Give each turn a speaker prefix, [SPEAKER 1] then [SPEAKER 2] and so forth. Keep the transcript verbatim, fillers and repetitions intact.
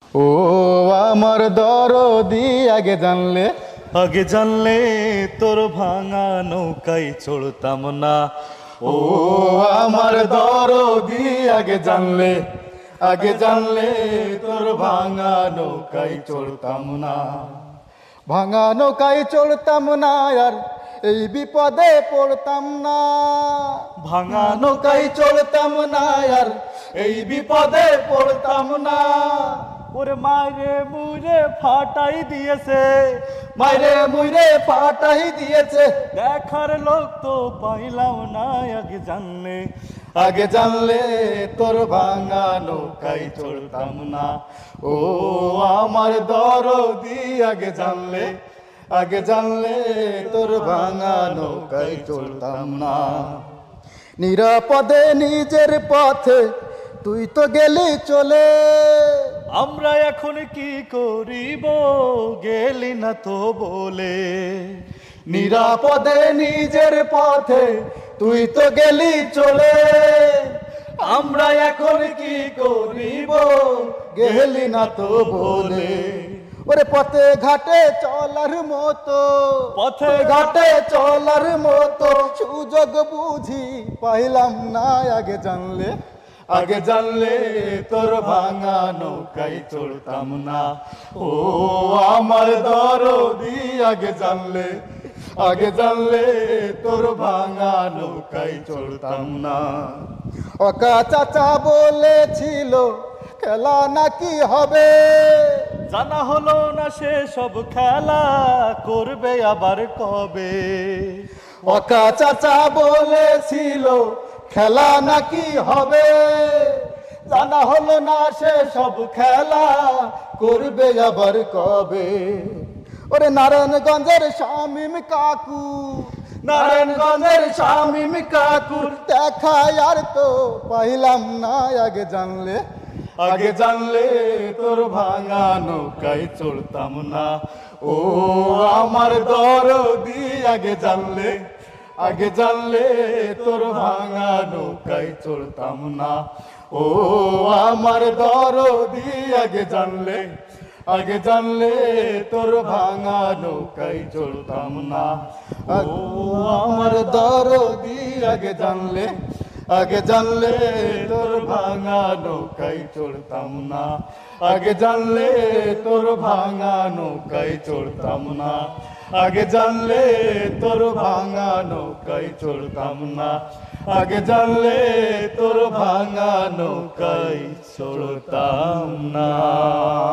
[SPEAKER 1] ও আমার দরদি আগে জানলে,
[SPEAKER 2] আগে জানলে তোর ভাঙা নৌকায় চড়তাম না।
[SPEAKER 1] ও আমার দরদি আগে জানলে, আগে জানলে তোর ভাঙা নৌকায় চড়তাম না। ভাঙা নৌকায় চড়তাম না আর এই বিপদে পড়তাম না।
[SPEAKER 2] ভাঙা
[SPEAKER 1] নৌকায় চড়তাম না আর এই বিপদে পড়তাম না।
[SPEAKER 2] ওরে মায়েরে মুরে ফাটাই দিয়েছে,
[SPEAKER 1] মাইরে মুইরে ফাটাই দিয়েছে।
[SPEAKER 2] দেখার লোক তো পাইলাম না। আগে জানলে,
[SPEAKER 1] আগে জানলে তোর ভাঙা নৌকায় চড়তাম না। ও আমার দরদি আগে জানলে, আগে জানলে তোর ভাঙা নৌকায় চড়তাম না। নিরাপদে নিজের পথে তুই তো গেলি চলে,
[SPEAKER 2] আমরা এখন কি করিব গেলি না তো বলে।
[SPEAKER 1] নিরাপদে নিজের পথে তুই তো গেলি চলে, আমরা এখন কি করিব গেলি না তো বলে। ওরে পথে ঘাটে চলার মতো,
[SPEAKER 2] পথে
[SPEAKER 1] ঘাটে চলার মতো সুযোগ বুঝি পাইলাম না। আগে জানলে, আগে জানলে তোর ভাঙা নৌকায় চড়তাম না। ও আমার দরদি আগে জানলে, আগে জানলে তোর ভাঙা নৌকায় চড়তাম না। ওকা চাচা বলেছিল খেলা নাকি হবে,
[SPEAKER 2] জানা হলো না সে সব খেলা করবে আবার কবে।
[SPEAKER 1] ওকা চাচা বলেছিল খেলা নাকি হবে, জানা হলো না সে সব খেলা করবে আবার কবে। ওরে নারায়ণগঞ্জের শামীম কাকু, নারায়ণগঞ্জের শামীম কাকুর দেখা আর তো পাইলাম না। আগে জানলে, আগে জানলে তোর ভাঙা নৌকায় চড়তাম না। ও আমার দরদি আগে জানলে, আগে জানলে তোর ভাঙা নৌকায় চড়তাম না। ও আমার দরদি আগে জানলে, আগে জানলে তোর ভাঙা নৌকায় চড়তাম না। ও আমার দরদি আগে জানলে, আগে জানলে তোর ভাঙা নৌকায় চড়তাম না। আগে জানলে তোর ভাঙা নৌকায় চড়তাম না। আগে জানলে তোর ভাঙা নৌকায় চড়তাম না। আগে জানলে তোর ভাঙা নৌকায় চড়তাম না।